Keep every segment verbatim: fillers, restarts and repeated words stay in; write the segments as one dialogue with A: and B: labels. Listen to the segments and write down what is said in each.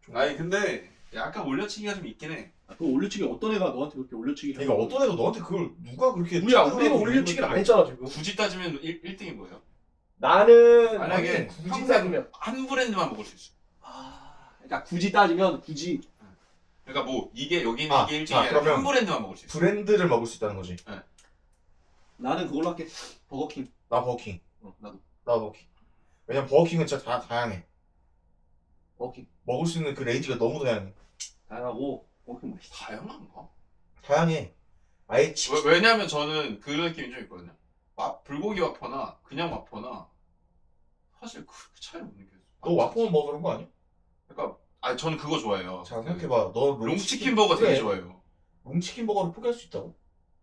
A: 아니 근데 약간 올려치기가 좀 있긴 해.
B: 아, 그 올려치기 어떤 애가 너한테 그렇게 올려치기를
C: 그러니까
B: 하는
C: 어떤 애가 너한테 그걸 누가 그렇게
B: 우리야
C: 찾아가지고
B: 우리가 올려치기를 안
C: 이걸
B: 했잖아 지금.
A: 굳이 따지면 일, 일 등인 거예요.
B: 나는
A: 만약에
B: 아니, 굳이
A: 평생
B: 따지면
A: 한 브랜드만 먹을 수 있어.
B: 아 그러니까 굳이 따지면 굳이
A: 그러니까 뭐 이게 여기 있는
C: 아,
A: 이게 일 등이
C: 아,
A: 아니라
C: 그러면
A: 한 브랜드만 먹을 수 있어.
C: 브랜드를 먹을 수 있다는 거지.
B: 나는 그걸로 할게. 버거킹.
C: 나 버거킹.
B: 어 나도
C: 나 버거킹. 왜냐면 버거킹은 진짜 다 다양해.
B: 버거킹.
C: 먹을 수 있는 그 레인지가 너무 다양해.
B: 다양하고 버거킹 맛있어.
A: 다양한가?
C: 다양해. 아예 치.
A: 왜, 왜냐면 저는 그런 느낌이 좀 있거든요. 마, 불고기 와퍼나 그냥 와퍼나 사실 그 차이 못 느껴요.
C: 너 와퍼만 먹어 그런 거 아니야?
A: 그러니까 아 저는 그거 좋아해요.
C: 자 생각해봐. 너
A: 롱치킨 버거 되게
C: 그래.
A: 좋아해요.
C: 롱치킨 버거를 포기할 수 있다고?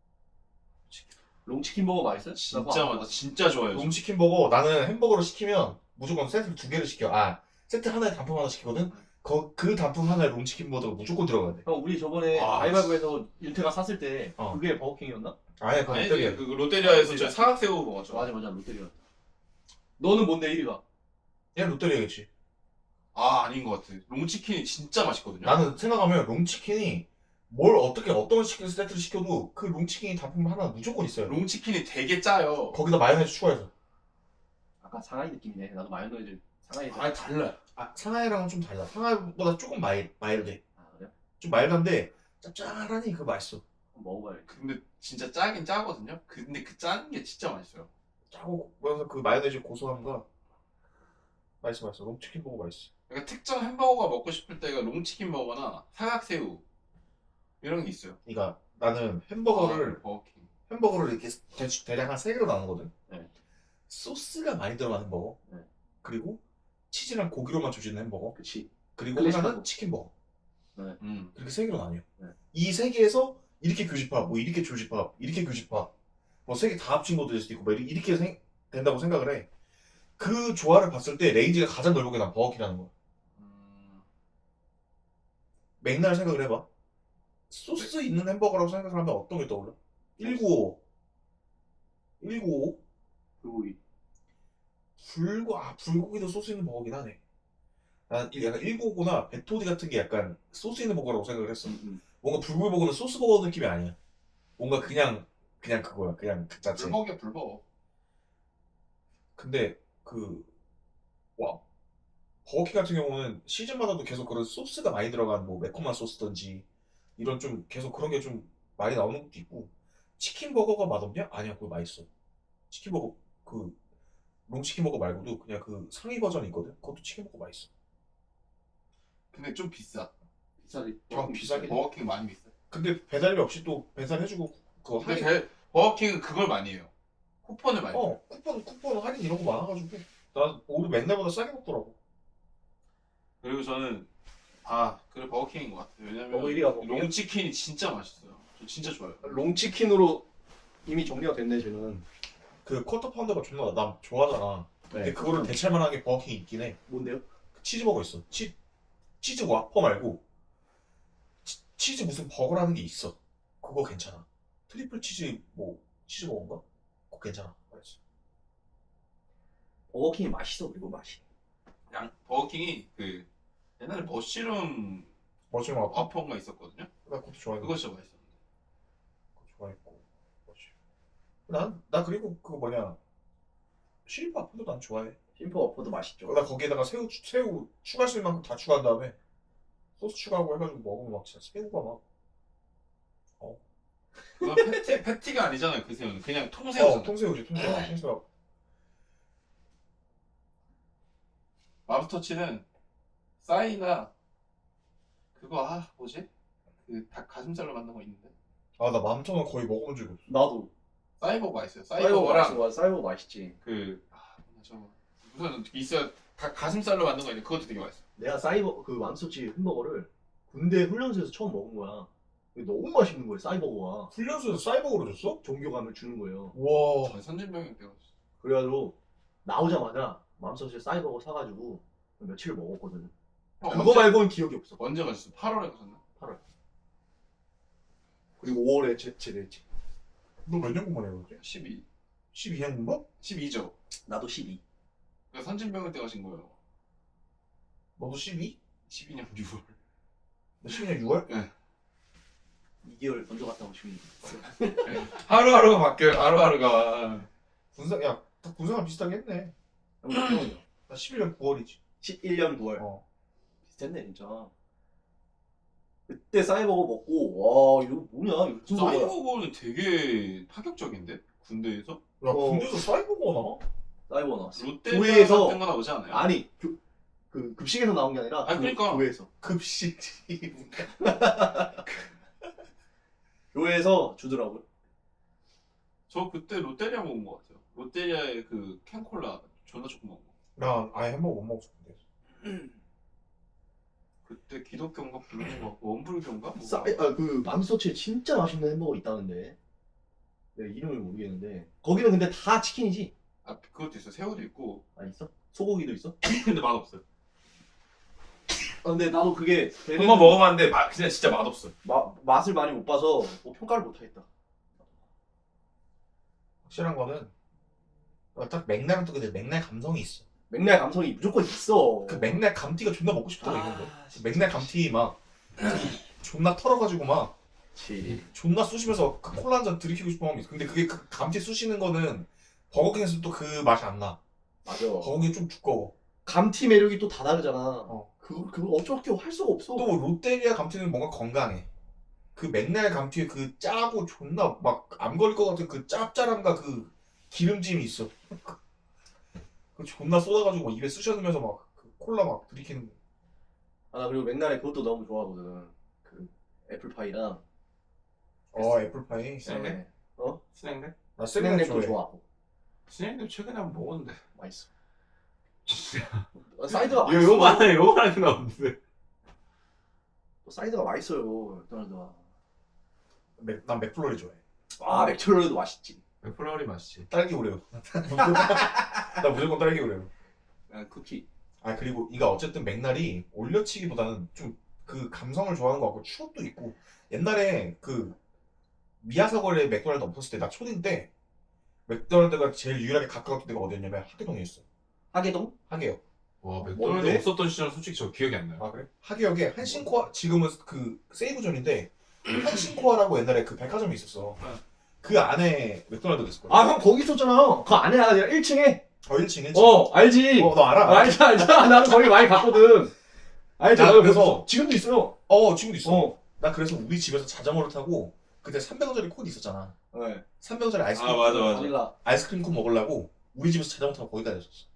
B: 롱치킨 버거 맛있어요?
A: 진짜 맛, 진짜 좋아해요.
C: 롱치킨 버거 나는 햄버거를 시키면 무조건 세트 두 개를 시켜. 아 세트 하나에 단품 하나 시키거든. 그, 그 단품 하나에 롱치킨 버거가 무조건 들어가야 돼.
B: 형 우리 저번에
A: 아,
B: 가위바위보에서 윤태가 샀을 때
C: 어.
B: 그게 버거킹이었나?
C: 아예 그건
A: 아니
C: 롯데리아.
A: 그 롯데리아에서 저 사각새우 먹었죠.
B: 맞아 맞아 롯데리아. 너는 뭔데 일 위가?
C: 얘 롯데리아겠지.
A: 아 아닌 것 같아. 롱치킨이 진짜 맛있거든요.
C: 나는 생각하면 롱치킨이 뭘 어떻게 어떤 치킨 세트를 시켜도 그 롱치킨이 단품 하나 무조건 있어요.
A: 롱치킨이 되게 짜요.
C: 거기다 마요네즈 추가해서.
B: 아까 상하이 느낌이네. 나도 마요네즈 상하이.
A: 아니 달라.
C: 아 상하이랑은 좀 달라. 상하이보다 조금 마일 마일드해.
B: 아 그래?
C: 좀 마일드한데 짭짤하니 그거 맛있어.
B: 한번 먹어봐야겠다.
A: 근데 진짜 짜긴 짜거든요. 근데 그 짠 게 진짜 맛있어요.
C: 짜고 그래서 그 마요네즈 고소함과 맛있어 맛있어. 롱치킨 버거 맛있어.
A: 그러니까 특정 햄버거가 먹고 싶을 때가 롱치킨 버거나 사각새우 이런 게 있어요.
C: 그러니까 나는 햄버거를
A: 아, 버거킹.
C: 햄버거를 이렇게 대, 대략 한 세 개로 나누거든.
B: 네.
C: 소스가 많이 들어간 햄버거.
B: 네.
C: 그리고 치즈랑 고기로만 조지는 햄버거.
B: 그치.
C: 그리고
B: 클래식
C: 하나는
B: 햄버거.
C: 치킨 버거.
A: 음.
C: 이렇게 세 개로 나뉘어.
B: 네.
C: 이 세 개에서 이렇게 교집합, 뭐 이렇게 교집합, 이렇게 교집합, 뭐 세 개 다 합친 것도 될 수도 있고, 뭐 이렇게 생, 된다고 생각을 해. 그 조화를 봤을 때 레인지가 가장 넓은 게 난 버거킹이라는 거야.
A: 음.
C: 맥날 생각을 해봐. 소스 있는 햄버거라고 생각을 하면 어떤 게 떠올라? 일구오오. 일구오오?
B: 불고기.
C: 불고, 아, 불고기도 소스 있는 버거긴 하네. 난 약간 일구오구나 베토디 같은 게 약간 소스 있는 버거라고 생각을 했어.
B: 음, 음.
C: 뭔가 불고기 버거는 소스 버거 느낌이 아니야. 뭔가 그냥, 그냥 그거야. 그냥 그 자체.
A: 불버거야 불버거.
C: 근데 그, 와, 버거킹 같은 경우는 시즌마다도 계속 그런 소스가 많이 들어간 뭐 매콤한 소스든지 이런 좀 계속 그런 게 좀 많이 나오는 것도 있고. 치킨 버거가 맛없냐? 아니야, 그거 맛있어. 치킨 버거, 그, 롱치킨 버거 말고도 그냥 그 상위 버전이 있거든? 그것도 치킨 버거 맛있어.
A: 근데 좀 비싸.
B: 비싸지.
C: 좀 비싸긴 해.
A: 버거킹 많이 비싸.
C: 근데 배달료 없이 또 배달해주고 그거
A: 근데
C: 할인.
A: 배, 버거킹은 그걸 많이 해요. 쿠폰을 많이. 해요.
C: 어, 쿠폰, 쿠폰 할인 이런 거 많아가지고. 나 오히려 맨날보다 싸게 먹더라고.
A: 그리고 저는 아 그래 버거킹인 것 같아요. 왜냐면
B: 버거 일 위가 버거킹이야?
A: 롱치킨이 진짜 맛있어요. 저 진짜 좋아요.
B: 롱치킨으로 이미 정리가 됐네 쟤는.
C: 그 쿼터 파운더가 존나 나 좋아하잖아. 근데 그거를 대체할 만한 게 버거킹이 있긴 해.
B: 뭔데요?
C: 그 치즈버거 있어. 치, 치즈 와퍼 말고 치, 치즈 무슨 버거라는 게 있어. 그거 괜찮아. 트리플 치즈 뭐 치즈버거인가? 그거 괜찮아. 맛있어.
B: 버거킹이 맛있어 그리고 맛이.
A: 양 버거킹이 그 옛날에 머쉬룸
C: 머쉬룸 와퍼?
A: 와퍼가 있었거든요.
C: 나 그것도 좋아해.
A: 그거 진짜 맛있었는데.
C: 그거 좋아했고. 난, 나 그리고 그거 뭐냐. 시리프 와퍼도 난 좋아해.
B: 심퍼 워퍼도 맛있죠.
C: 나 거기에다가 새우, 추- 새우 추가할 수 있는 만큼 다 추가한 다음에 소스 추가하고 해가지고 먹으면 막 진짜 새우가 막
A: 그건 패티 패티가 아니잖아요. 그 새우는 그냥
C: 어,
A: 통새우잖아요.
C: 통새우지 통새우 통새우.
A: 맘스터치는 싸이나 그거 아 뭐지? 그 닭 가슴살로 만든 거 있는데
C: 아나 맘터는 거의 먹어본 적이 없어.
B: 나도.
A: 싸이버거 맛있어요.
B: 사이버거
A: 싸이버거랑
B: 맛있어. 사이버거 맛있지.
A: 그 아, 저 무슨 있어요. 닭 가슴살로 만든 거 있는데 그것도 되게 맛있어.
B: 내가 사이버 그 맘스터치 햄버거를 군대 훈련소에서 처음 먹은 거야. 이게 너무 맛있는 거예요. 사이버거가.
C: 훈련소에서 사이버거로 줬어?
B: 종교감을 주는 거예요.
C: 와.
A: 전 선진병이 되었어.
B: 그래가지고 나오자마자 맘스터치 사이버거 사가지고 며칠을 먹었거든.
A: 어,
B: 그거
A: 언제,
B: 말고는 기억이 없어.
A: 언제 가셨어? 팔월에 가셨나?
B: 그리고 오월에 제, 제대했지.
C: 너 몇 년 공부해 그랬지?
A: 십이.
C: 십이 년 공부?
A: 십이죠.
B: 나도 십이.
A: 그러니까 선진병을 때 가신 거예요.
C: 너도 십이?
A: 십이 년 유월.
C: 십이 년 유월?
B: 이 개월 먼저 갔다 오시면
A: 하루하루가 바뀌어요. 하루하루가.
C: 군사 야다 군사가 비슷하게 했네.
B: 형이요.
C: 나 십일 년 구월이지.
B: 십일 년 구월.
C: 어.
B: 비슷했네 진짜. 그때 사이버거 먹고 와 이거 뭐냐 이거 무슨 거야?
A: 사이버거는 되게 파격적인데 군대에서
C: 야
B: 어.
C: 군대에서 사이버가 나?
B: 사이버 나왔어.
A: 롯데
B: 교회에서-
A: 같은 거 나오지 않아요?
B: 아니 교, 그 급식에서 나온 게 아니라
A: 아,
B: 그
A: 그러니까.
B: 교회에서
C: 급식이.
B: 교회에서 주더라고요.
A: 저 그때 롯데리아 먹은 것 같아요. 롯데리아의 그 캔콜라 존나 조금 먹은 거.
C: 나 아예 햄버거 못 먹었어 군대에서.
A: 그때 기독교인가 불교인가 원불교인가? 뭐.
B: 싸, 아, 그 맘스터치에 진짜 맛있는 햄버거 있다는데 내 이름을 모르겠는데 거기는 근데 다 치킨이지?
A: 아 그것도 있어. 새우도 있고.
B: 아 있어? 소고기도 있어?
A: 근데 맛없어요.
B: 아, 근데 나도 그게
A: 한번 먹어봤는데 맛 그냥 진짜 맛없어.
B: 마, 맛을 많이 못 봐서 뭐 평가를 못 하겠다.
C: 확실한 거는 어, 딱 맥날은 또 근데 맥날 감성이 있어.
B: 맥날 감성이 무조건 있어.
C: 그 맥날 감튀가 존나 먹고 싶더라
B: 아,
C: 이건 거.
B: 진짜.
C: 맥날 감튀 막 존나 털어가지고 막
B: 그치.
C: 존나 쑤시면서 그 콜라 한 잔 들이키고 싶은 마음이 있어. 근데 그게 그 감튀 쑤시는 거는 버거킹에서 또 그 맛이 안 나.
B: 맞아.
C: 버거킹이 좀 두꺼워.
B: 감튀 매력이 또 다 다르잖아.
C: 어.
B: 그거 그거 어떻게 할 수가 없어.
C: 또 롯데리아 감튀는 뭔가 건강해. 그 맥날 감튀에 그 짜고 존나 막 안 걸릴 것 같은 그 짭짤함과 그 기름짐이 있어. 그 존나 쏟아가지고 입에 쑤셔 넣으면서 막 그 콜라 막 들이키는.
B: 아, 나 그리고 맥날에 그것도 너무 좋아하거든. 그 애플파이랑
C: 어 애플파이.
A: 스낵?
B: 네. 어?
A: 스낵?
C: 나 스낵
B: 스낵도
C: 좋아해.
B: 좋아하고
A: 스낵 최근에 한번 먹었는데.
B: 맛있어. 아, 사이드가
A: 이거
B: 맛있어.
A: 요만해 요만하게 나오는데.
B: 또 사이드가 맛있어요. 맥도날드가.
C: 맥, 난 맥플로리 좋아해.
B: 아 맥도날드도 맛있지.
A: 맥플라워리 맛있지.
C: 딸기 오레오. 나 무조건 딸기 오레오.
B: 아, 쿠키.
C: 아 그리고 이가 어쨌든 맥날이 올려치기보다는 좀 그 감성을 좋아하는 것 같고 추억도 있고 옛날에 그 미야사거리에 맥도날드 없었을 때 나 초딩 때 맥도날드가 제일 유일하게 가까웠던 데가 어디였냐면 하계동이었어.
B: 하계동?
C: 하계역.
A: 와 맥도날드
B: 뭔데?
A: 없었던 시절 솔직히 저 기억이 안 나요.
C: 아 그래? 하계역에 한신코아 지금은 그 세이브존인데 한신코아라고 옛날에 그 백화점이 있었어. 그 안에 맥도날드가 있었거든.
B: 아 형 거기 있었잖아. 그 안에 아니라 일 층에.
C: 어 일 층 일 층.
B: 어 알지.
C: 어, 너 알아?
B: 알지 알지. 나는 거기 많이 갔거든. 알지.
C: 나
B: 나도
C: 그래서-
B: 그래서 지금도 있어요.
C: 어 지금도 있어.
B: 어.
C: 나 그래서 우리 집에서 자전거를 타고 그때 삼백 원짜리 콘 있었잖아.
B: 네.
C: 삼백 원짜리 아이스크림.
A: 아, 맞아, 맞아.
B: 거기가
C: 아이스크림 콘 먹으려고 우리 집에서 자전거 타고 거기 다녔었어.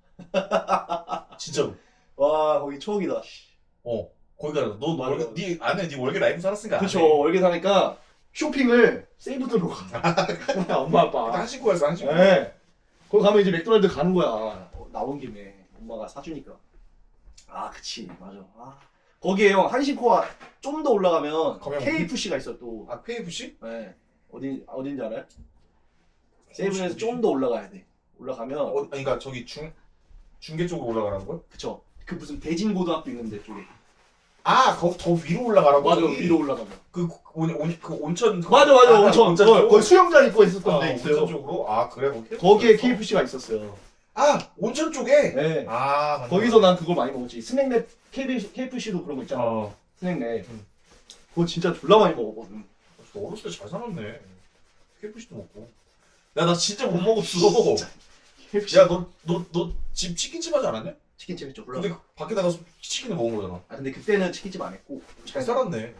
C: 진짜로.
B: 와 거기 추억이다.
C: 어. 거기 가서 너
B: 맞아,
C: 월계
B: 맞아.
C: 네 안에 네 월계 라이프 살았으니까.
B: 그쵸. 월계 사니까 쇼핑을 세이브드로 가. 엄마 아빠.
C: 한신코아였어 한신코.
B: 네. 거기 가면 이제 맥도날드 가는 거야. 어, 나온 김에 엄마가 사주니까. 아, 그치. 맞아. 아. 거기에 형 한신코아 좀 더 올라가면
C: 거기
B: 케이에프씨가 있어 또.
C: 아 케이에프씨?
B: 네. 어디 어딘지 알아요? 세이브에서 좀 더 올라가야 돼. 올라가면
C: 어, 아니, 그러니까 저기 중 중계 쪽으로 올라가라는 거야?
B: 그쵸. 그 무슨 대진고등학교 있는데 쪽에.
C: 아, 거기 더 위로 올라가라고.
B: 맞아.
C: 저기.
B: 위로 올라가면.
C: 그 온, 온, 그 온천.
B: 맞아 맞아.
C: 아,
B: 온천.
C: 온천
B: 거-
C: 쪽.
B: 거기 수영장 있고 있었던
C: 아,
B: 데
C: 온천
B: 있어요.
C: 쪽으로. 아 그래 거기.
B: 거기에 케이에프씨가 있었어요.
C: 아 온천 쪽에.
B: 네.
C: 아 맞네.
B: 거기서 난 그걸 많이 먹었지. 스낵랩 케이에프씨도 그런 거 있잖아.
C: 어.
B: 스낵랩.
C: 음.
B: 그거 진짜 졸라 많이 먹었거든.
C: 너 어렸을 때 잘 살았네. 케이에프씨도 먹고. 야 나 진짜 못 먹었어.
B: 케이에프씨.
C: 야 너 너 너 집 치킨집 하지 않았냐?
B: 치킨집 했죠. 몰라.
C: 근데 밖에 나가서 치킨을 먹은 거잖아.
B: 아 근데 그때는 치킨집 안 했고.
C: 잘 살았네.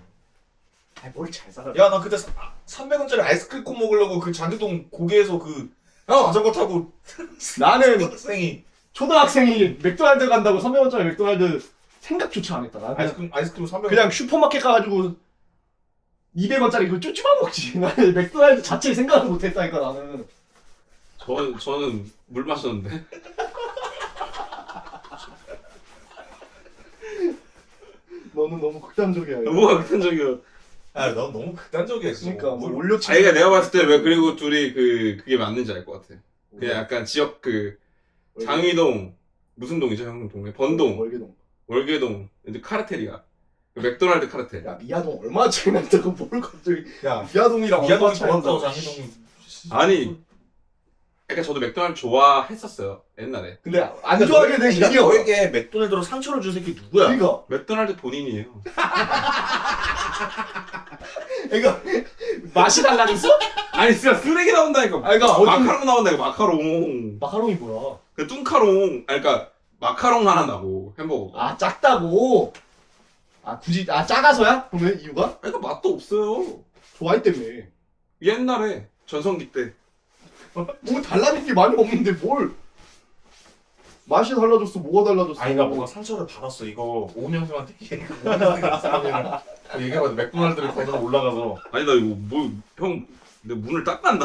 B: 아뭘잘 살아.
C: 야 나 그때 삼백 원짜리 아이스크림 콘 먹으려고 그 장기동 고개에서 그
B: 형
C: 자전거 타고
B: 나는
C: 학생이
B: 초등학생이 맥도날드 간다고 삼백 원짜리 맥도날드 생각조차 안 했다. 나는 그냥,
C: 아이스크림 아이스크림 삼백 원.
B: 그냥 슈퍼마켓 가가지고 이백 원짜리 그 쭈쭈만 먹지. 나는 맥도날드 자체를 생각을 못 했다니까 나는.
A: 저 저는 물 마셨는데.
B: 너는 너무 극단적이야.
A: 뭐가 극단적이야.
C: 아, 넌 너무 극단적이야. 진짜.
B: 그러니까 뭐
C: 뭘-
B: 올려치.
A: 자기가 내가 봤을 때 왜 그리고 둘이 그 그게 맞는지 알 것 같아. 그냥 약간 지역 그 장위동 무슨 동이죠 형 동네 번동
B: 월계동.
A: 월계동 이제 카르텔이야. 그 맥도날드 카르텔.
B: 야 미아동 얼마나 차이 난다고 뭘 갑자기
C: 야,
B: 미아동이랑
C: 미아동이
B: 얼마나 차이
C: 좋았다고
B: 난다고.
C: 장희동.
A: 아니 그러니까 저도 맥도날드 좋아했었어요 옛날에.
B: 근데 안 좋아하게 된
C: 그러니까
B: 이유가
C: 너에게 맥도날드로 상처를 준 새끼 누구야?
B: 그러니까
A: 맥도날드 본인이에요.
B: 그러니까 맛이 달라졌어?
A: 아니 진짜 쓰레기 나온다니까.
B: 아 그러니까 어떤
A: 마카롱 나온다니까 마카롱.
B: 마카롱이 뭐야?
A: 그 뚱카롱. 아니 그러니까 마카롱 하나 나고 햄버거가.
B: 아 작다고. 아 굳이 아 작아서야? 그러면 이유가?
A: 그러니까 맛도 없어요.
B: 좋아했다며.
A: 옛날에 전성기 때.
B: 뭐 달라진 게 많이 없는데 뭘? 맛이 달라졌어. 뭐가 달라졌어?
C: 아이가 뭔가 상처를 받았어. 이거 오은영님한테 얘기해봐. 얘기해봐. 맥도날드를 거들어 올라가서
A: 아니 나 이거 뭐 형 내 문을 닦았나?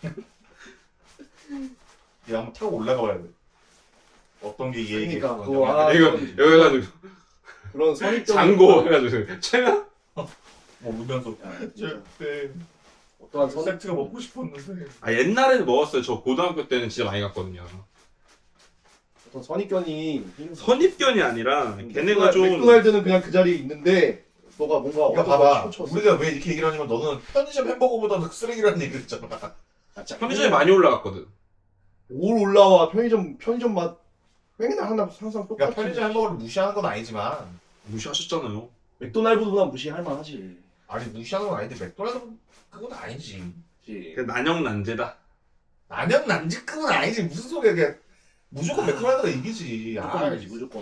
C: 얘 한번 타고 올라가 봐야 돼. 어떤 게 얘기?
B: 그러니까 그거 아,
A: 이거
B: 그런-
A: 여기 해가지고
B: 그런 선입견
A: 장고 해가지고 최면?
C: 뭐 울면서
B: 진짜.
C: 네.
B: 어떠한 선
C: 세트가 먹고 싶었는데.
A: 아 옛날에는 먹었어요. 저 고등학교 때는 진짜 많이 갔거든요.
B: 어떤 선입견이
A: 선입견이 아니라 걔네가 좀
B: 맥도날드는 그냥 그 자리에 있는데 너가 뭔가
C: 그러니까
B: 어디서
C: 봐봐.
B: 치우쳤어.
C: 우리가 왜 이렇게 얘기를 하냐면 너는 편의점 햄버거보다 쓰레기라는 얘기를 했잖아.
B: 아, 진짜
A: 편의점이 많이 올라갔거든.
B: 올 올라와 편의점 편의점 맛 맨날 하나 항상 똑같이.
C: 그러니까 편의점 햄버거를 무시하는 건 아니지만
A: 무시하셨잖아요.
B: 맥도날드보다 무시할 만하지.
C: 아니 무시하는 건 아닌데 맥도날드는 그건 아니지.
B: 그치.
A: 그 난영난제다.
C: 난영 난직급은 아니지. 무슨 소리야. 그냥 무조건 맥도날드가 이기지. 아,
B: 무조건 이기지 무조건.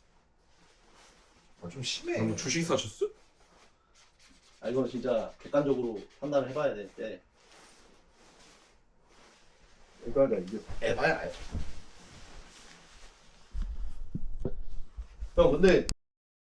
C: 아, 좀 심해.
A: 뭐 주식 사셨어?
B: 아 이건 진짜 객관적으로 판단을 해봐야 될 때. 맥도날드가 이겼어.
C: 에바야.
B: 형 근데